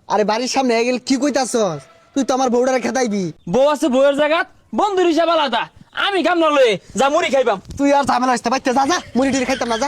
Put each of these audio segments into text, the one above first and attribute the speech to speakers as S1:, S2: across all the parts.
S1: আরে বাড়ির সামনে গেল কি কইতাছস? তুই তো আমার বউডারে খেতাইবি।
S2: বউ আছে বউয়ের জায়গা বন্ধুর হিসাব আলাদা। আমি কাম না লয়ে যা মুড়ি খাইবাম।
S1: তুই আর ঝামেলা আসতে পারতে যা যা, মুড়ি টুড়ি খাইতাম না, যা।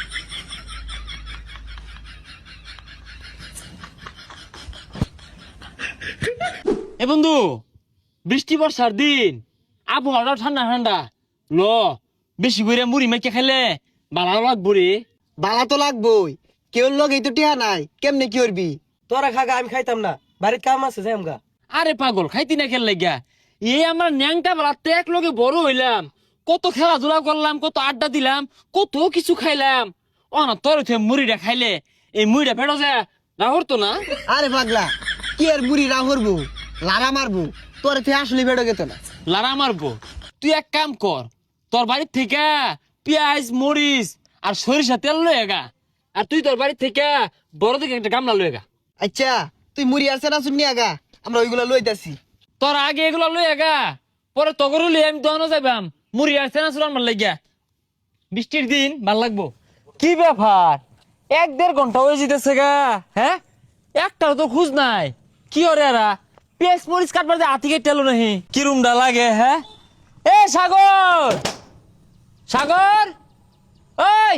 S2: এ বন্ধু, বৃষ্টি বর্ষার দিন, আবহাওয়াটা ঠান্ডা ঠান্ডা, ল বেশি করে মুড়ি মেখে খাইলে ভালো লাগবো রে।
S1: বালা তো লাগবই, কেউ লগে তো টিহা নাই, কেমনে কি করবি?
S3: তোরা খাগা, আমি খাইতাম না, বাড়ির কাম আছে যাই আমগা।
S2: আরে পাগল, খাইতি না খেল লাগিয়া? এই আমরা ন্যাংটা বেলাতে এক লগে বড় হইলাম, কত খেলাধুলা করলাম, কত আড্ডা দিলাম, কত কিছু খাইলাম। ও না তোর মুড়িটা খাইলে এই মুড়িটা ফেটো যায় না হরতো না।
S1: আরে পাগলা, কি আর বুড়ি রা হরবো, লারা মারবো, তোর তুই আসলে বেড়ো গেত না।
S2: লারা মারবো? তুই এক কাম কর, তোর বাড়ির থেকে পেঁয়াজ মরিচ আর সরিষা তেল লয়ে গা, আর তুই তোর বাড়ির থেকে বড় দিকে একটা গামলা লয়ে গা।
S1: আচ্ছা, তুই মুড়ি আর সেনা শুনি আগা, আমরা ওইগুলা লইতাছি।
S2: তোর আগে এগুলো লয়ে গা, পরে তগর লই আমি দহনো যাইবাম মুড়ি আর সেনা চুরান ভাল লাগিয়া। বৃষ্টির দিন ভাল লাগবো। কি ব্যাপার, 1-1.5 ঘন্টা হয়ে যেতেছে গা, হ্যাঁ একটাও তো খুঁজ নাই। কি ওরে এরা পেঁয়াজ মরিচ কাটবার যে হাতি কেটে এলো নাহি, কি রুমটা লাগে। হ্যাঁ এ সাগর, সাগর, ওই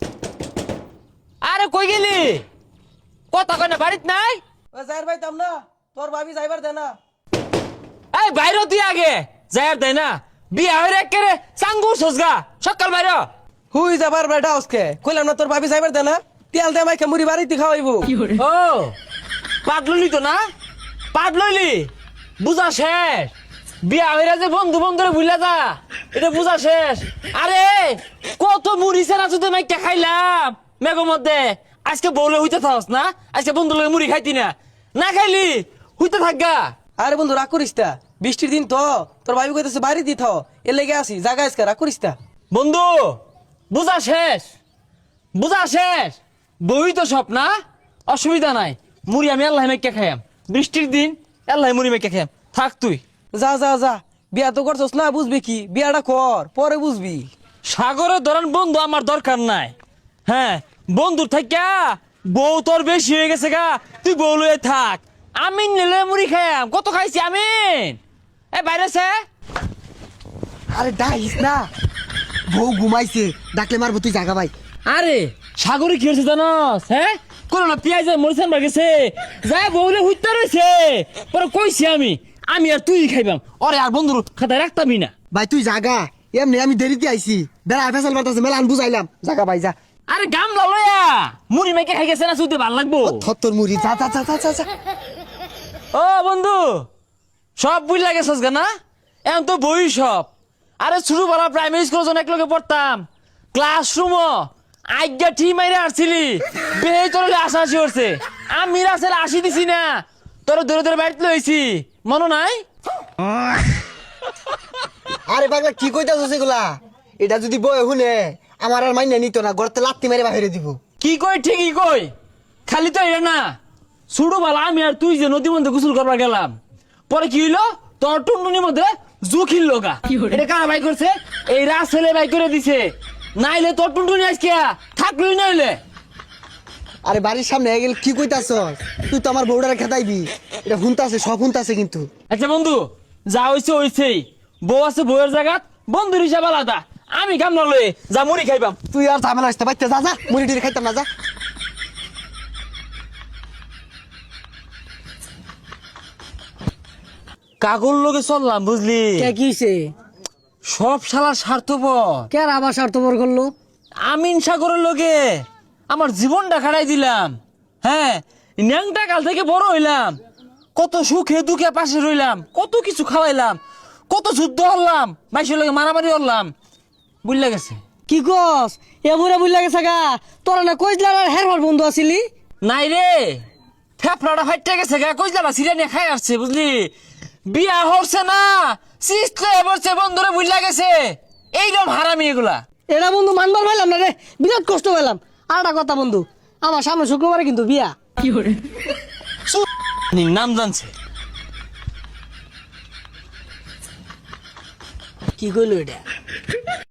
S2: আরে কই গেলি? কথা কয় না, বাড়িত নাই?
S3: যাইর পাইতাম না, তোর ভাবি যাইবার দে না।
S2: এই বাইরে তুই আগে যাই দেয় না, বিয়া হয়ে একেবারে চাঙ্গুর সজগা সকাল বাইরে।
S3: হুই যাবার বেটা আজকে কইলাম না, তোর ভাবি যাইবার দে না, তেল দে মাইকে মুড়ি বাড়িতে খাওয়াইবো।
S2: ও পাট লইলি তো না, পাট লইলি, বুঝা শেষ। বিয়া হইরা যে বন্ধু বন্ধুরে ভুলে যা, এটা বুঝা শেষ। আরে কত মুড়ি সেনা শুধু মাইকা খাইলাম মেঘের মধ্যে, আজকে বউলে হইতে থাকস না, আজকে বন্ধু লগে মুড়ি খাইতি না, না খাইলি হইতে থাকগা।
S3: আরে বন্ধু রাগ করিস তা, বৃষ্টির দিন তো, তোর ভাবি কইতেছে বাড়ি দি থাও, এর লেগে আসি জায়গা আজকে, রাগ করিস তা।
S2: বন্ধু বুঝা শেষ, বুঝা শেষ। বই তো সব না, অসুবিধা নাই, মুড়ি আমি আল্লাহ মেকে খাইয়াম। বৃষ্টির দিন আল্লাহ মুড়ি মেকে খাইয়াম, থাক তুই।
S3: যা যা যা, বিয়া তো করছস না, বুঝবি কি, বিয়াটা কর পরে বুঝবি।
S2: সাগরের ধরেন বন্ধু আমার দরকার নাই। হ্যাঁ বন্ধুর থাকা বউ তোর বেশি হয়ে গেছে গা, তুই বউ লয়ে থাক, আমি নিলে মুড়ি খাইয়াম। কত খাইছি আমি, এ বাইরে সে।
S1: আরে ডাইস না, বউ ঘুমাইছে, ডাকলে মারবো, তুই জাগা ভাই।
S2: আরে সাগরে কি হয়েছে জানস? হ্যাঁ কোনো না পেঁয়াজ মরিচান বাগেছে, যাই বউলে হুইতে রয়েছে, পরে কইছি আমি আমি আর তুই খাইবাম, ওরে আর বন্ধুর খাতায় রাখতামই না।
S1: ভাই তুই জাগা, এমনি আমি দেরিতে আইছি, বেড়া ফেসাল মারতাছে, মেলা আন বুঝাইলাম, জাগা ভাই যা।
S2: আরে গামলা লয়া মুড়ি মেকে খাই গেছে না, শুধু ভাল লাগবো।
S1: থত্তর মুড়ি, যা যা যা যা যা।
S2: ও বন্ধু সব বুঝ লাগেছস গা না, এখন তো বই সব। আরে শুরু বলা প্রাইমারি স্কুল যখন একলগে পড়তাম, ক্লাসরুম আজ্ঞা ঠিক মাইরে আসছিলি, বেহে তোর আশাশি করছে, আমি আসলে আসি দিছি না, তোর ধরে ধরে বাড়িতে লইছি, মনে নাই?
S1: আরে পাগলা কি কইতাছস এগুলা? এটা যদি বই শুনে আমার আর মাইনে নিত না, গড়তে লাত্তি মেরে বাহিরে দিব।
S2: কি কই ঠিকই কই, খালি তো এটা না, শুরু বলা আমি আর তুই যে নদীর মধ্যে গোসল করবার গেলাম, পরে কি হইলো, তোর টুনটুনির মধ্যে জুখিল লগা। এটা কারা বাই করছে? এই রাত ছেলে বাই করে দিছে, নাইলে তোর টুনটুনি আজকে থাকলই নাইলে।
S1: আরে বাড়ির সামনে গেল কি কইতাছস? তুই তো আমার বউডারে খেতাইবি, এটা হুনতাছে, সব হুনতাছে কিন্তু।
S2: আচ্ছা বন্ধু যা হইছে হইছেই, বউ আছে বউয়ের জায়গা, বন্ধুর হিসাব আলাদা, আমি কাম না লয়ে যা মুড়ি খাইবাম।
S1: তুই আর ঝামেলা আসতে পারতে যা যা, মুড়ি টুড়ি খাইতাম না, যা।
S2: কাগর লগে চললাম বুঝলি,
S4: কে কিছে?
S2: সব শালা স্বার্থপর।
S4: কে আর আবার স্বার্থপর করলো?
S2: আমিন সাগরের লগে আমার জীবনটা খাড়াই দিলাম। হ্যাঁ ন্যাংটা কাল থেকে বড় হইলাম, কত সুখে দুঃখে পাশে রইলাম, কত কিছু খাওয়াইলাম, কত যুদ্ধ হলাম, মাইসের লগে মারামারি হলাম, বুঝলা গেছে।
S4: কি কস? এমরে বুঝলা গেছে গা, তোরা না কইজলার আর হেরফার বন্ধু আছিলি?
S2: নাই রে, ফেফড়াটা ফাইটে গেছে গা, কইলা সিরিয়া নিয়ে খাই আসছে বুঝলি, বিয়া হচ্ছে না, সিস্টে বসছে বন্ধুরে বুঝলা গেছে। এইরকম হারামি এগুলা।
S4: এটা বন্ধু মানবার পাইলাম না রে, বিরাট কষ্ট পেলাম। আর একটা কথা বন্ধু, আমার সামনে শুক্রবারে কিন্তু বিয়া। কি করে
S2: নাম জানছে?
S4: কি কইলো এটা?